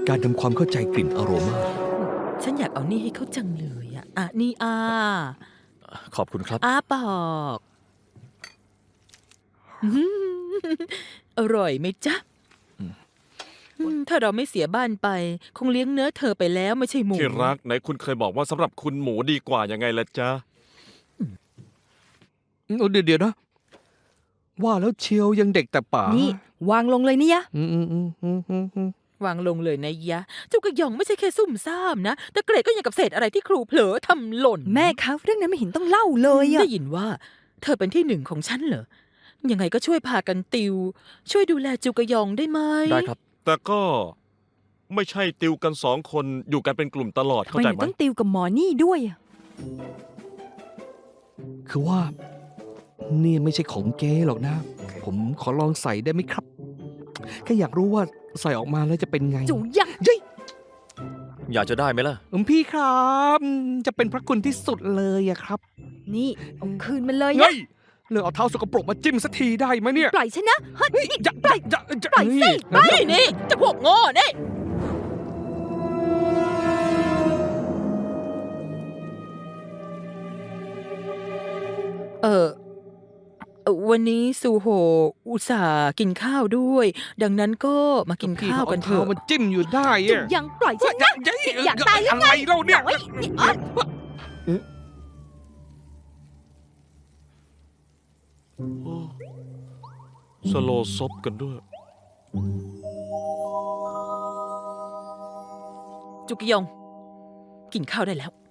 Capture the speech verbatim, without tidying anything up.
การทำความเข้าใจกลิ่นอโรมาฉันอยากเอานี่ให้เขาจังเลยอะอ่ะนี่อาขอบคุณครับอาปอกอืมอร่อยไหมจ๊ะอืมถ้าเราไม่เสียบ้านไป คงเลี้ยงเนื้อเธอไปแล้วไม่ใช่หมูที่รักไหนคุณเคยบอกว่าสำหรับคุณหมูดีกว่ายังไงล่ะจ๊ะเดี๋ยวเดี๋ยวนะ ว่าแล้วเชียวยังเด็กแต่ป่านี่ วางลงเลยนี่ยะอืมอืมอืมอืมอืมอืมวางลงเลยนะยะเจ้ากระหยองไม่ใช่แค่ซุ่มซ่ามนะ แต่เกรดก็ยังกับเศษอะไรที่ครูเผลอทำหล่นแม่คะเรื่องนั้นไม่เห็นต้องเล่าเลยอะได้ยินว่า เธอเป็นที่หนึ่งของฉันเหรอ ยังไงก็ช่วยพากันติว ช่วยดูแลจูกระยองได้ไหมได้ครับแต่ก็ไม่ใช่ติวกันสองคนอยู่กันเป็นกลุ่มตลอดทำเข้าไมใจหนูไหมต้องติวกับหมอนี่ด้วยอะคือว่า นี่ไม่ใช่ของเก๊หรอกนะ ผมขอลองใส่ได้ไหมครับ แค่อยากรู้ว่าใส่ออกมาแล้วจะเป็นไงจูยังเย้ยอยากจะได้ไหมล่ะอืมพี่ครับจะเป็นพระคุณที่สุดเลยอะครับนี่เอาคืนมันเลยเฮ้นะยเลิกเอาเท้าสกปรกมาจิ้มสักทีได้ไหมเนี่ยปล่อยฉันนะเฮ้ยเฮ้ยอย่าอย่าอย่าอย่าปล่อยสิเฮ้ยนี่นี่เจะพวกโง่นี่เออเอ่อวันนี้ซูโฮอุตส่าห์กินข้าวด้วย ดังนั้นก็มากินข้าวกันเถพี่อะเท้ามันจิ้มอยู่ได้จูอะยังปล่อยฉันนะเฮ้ยอยากตายหรือไงอะไรเราเนี่ยเฮ้ยนี่เอ้ยสโลว์ซบกันด้วยจุกยอง กินข้าวได้แล้ว